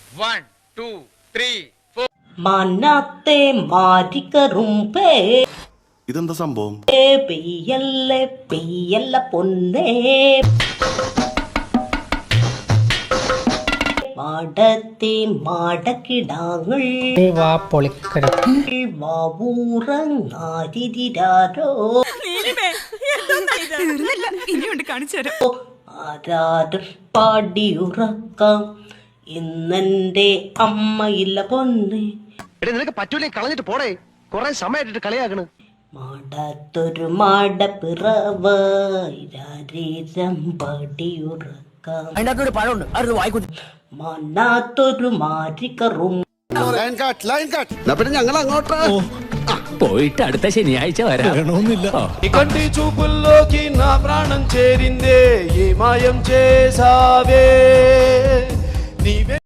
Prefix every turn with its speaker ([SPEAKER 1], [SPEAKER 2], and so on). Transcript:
[SPEAKER 1] 1 2 3 4
[SPEAKER 2] മനാത്തെ മാരിക്കറുമ്പേ
[SPEAKER 3] ഇതെന്താ സംഭവം?
[SPEAKER 2] പെയ്യല്ലേ പെയ്യല്ല പൊന്നേ മാടത്തെ മാടക്കിടാങ്ങൾ വാവൂറങ്ങാരിരാരോ ആരാരും പാടിയുറക്കാം ഇന്നെന്റെ അമ്മയില്ല പൊന്നെ.
[SPEAKER 4] നിനക്ക് പറ്റൂലേ കളഞ്ഞിട്ട് പോടേ, കൊറേ സമയമായിട്ട് കളിയാക്കണ്.
[SPEAKER 2] മാടാത്തൊരു മാടപ്പിറവീരം പാടിയുറക്കാം
[SPEAKER 4] അതിനകത്തൊരു പഴമുണ്ട്, അത് വായിക്കുട്ടി.
[SPEAKER 2] മനാത്തൊരു മാരിക്കറും
[SPEAKER 3] പിന്നെ ഞങ്ങൾ അങ്ങോട്ട്
[SPEAKER 5] പോയിട്ട് അടുത്ത ശനിയാഴ്ച വരാം.
[SPEAKER 6] కంటి చూపుల్లోకి నా ప్రాణం చేరిందే ఏ మాయం చేసావే నీవే